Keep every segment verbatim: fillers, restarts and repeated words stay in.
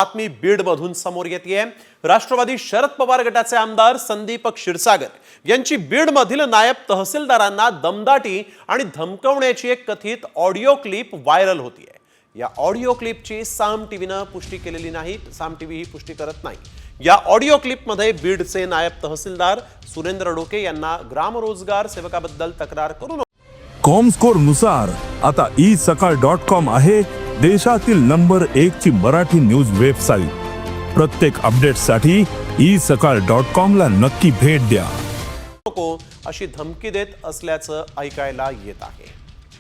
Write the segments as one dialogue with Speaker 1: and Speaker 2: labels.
Speaker 1: बातमी बीडमधून समोर येतेय। राष्ट्रवादी शरद पवार गटाचे आमदार संदीप क्षीरसागर यांची बीडमधील नायब तहसीलदारांना दमदाटी आणि धमकवण्याची एक कथित ऑडिओ क्लिप व्हायरल होतीये। या ऑडिओ क्लिपची साम टीव्हीने पुष्टी केलेली नाही, साम टीव्ही ही पुष्टी करत नाही। या ऑडिओ क्लिपमध्ये बीडचे नायब तहसीलदार सुरेंद्र डोके यांना ग्राम रोजगार सेवकाबद्दल तक्रार करून
Speaker 2: कॉमस्कोर नुसार आता ई सकाळ डॉट कॉम आहे देशातील नंबर एक ची मराठी न्यूज वेबसाईट। प्रत्येक अपडेटसाठी ई सकाळ डॉट कॉम ला नक्की भेट द्या।
Speaker 1: नको अशी धमकी देत असल्याचं ऐकायला येत आहे।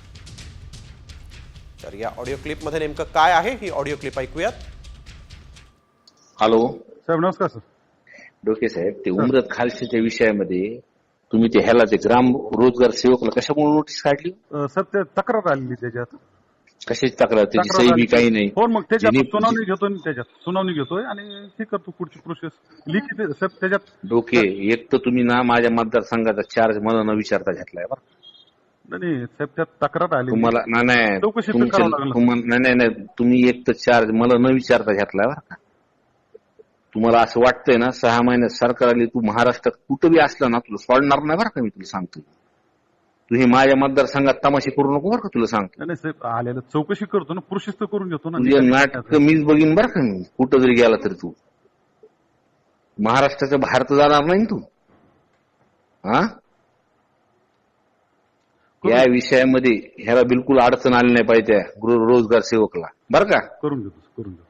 Speaker 1: तर या ऑडिओ क्लिप मध्ये नेमकं काय आहे ही ऑडिओ क्लिप ऐकूयात।
Speaker 3: हॅलो
Speaker 4: साहेब, नमस्कार सर।
Speaker 3: डोके साहेब, ते उमरत खालशीच्या विषयामध्ये तुम्ही ते ह्याला ते ग्राम रोजगार सेवकला कशामुळे नोटीस काढली?
Speaker 4: अ, सर ते तक्रार आलेली त्याच्यात।
Speaker 3: कशाची तक्रार? त्याची
Speaker 4: तक्रार
Speaker 3: सही बी
Speaker 4: आली.
Speaker 3: काही नाही।
Speaker 4: हो, मग त्याच्यात
Speaker 3: ज्यांनी-
Speaker 4: सुनावणी घेतोय, त्याच्यात सुनावणी घेतोय आणि हे करतो पुढची प्रोसेस लिखित आहे, साहेब त्याच्यात।
Speaker 3: डोके, एक तर तुम्ही ना माझ्या मतदारसंघाचा चार्ज मला न विचारता घेतलाय बरं।
Speaker 4: नाही नाही, साहेब त्यात तक्रार आली।
Speaker 3: तुम्हाला ना नाही
Speaker 4: चौकशी पण
Speaker 3: तुमच्या-
Speaker 4: करावं लागलं.
Speaker 3: तुम्हाला- नाही नाही नाही, तुम्ही एक तर चार्ज मला न विचारता घेतलाय बरं का। तुम्हाला असं वाटतंय ना सहा महिन्यात सरकार आली, तू महाराष्ट्रात कुठं बी असला ना तुला सोडणार नाही बरं का। मी तुला सांगतो, तू हे माझ्या मतदारसंघात तमाशे करू नको बरं का, तुला सांगतो।
Speaker 4: नाही साहेब, आलेलं चौकशी करतो ना, प्रोसेस तर करून घेतो ना।
Speaker 3: तुझे नाटक मीच बघीन बरं का। मी कुठं जरी गेला तरी तू महाराष्ट्राच्या बाहेर तर जाणार नाही तू। हा, या विषयामध्ये ह्याला बिलकुल अडचण आली नाही पाहिजे त्या गृह रोजगार सेवकला बरं का।
Speaker 4: करून घेतो करून घेतो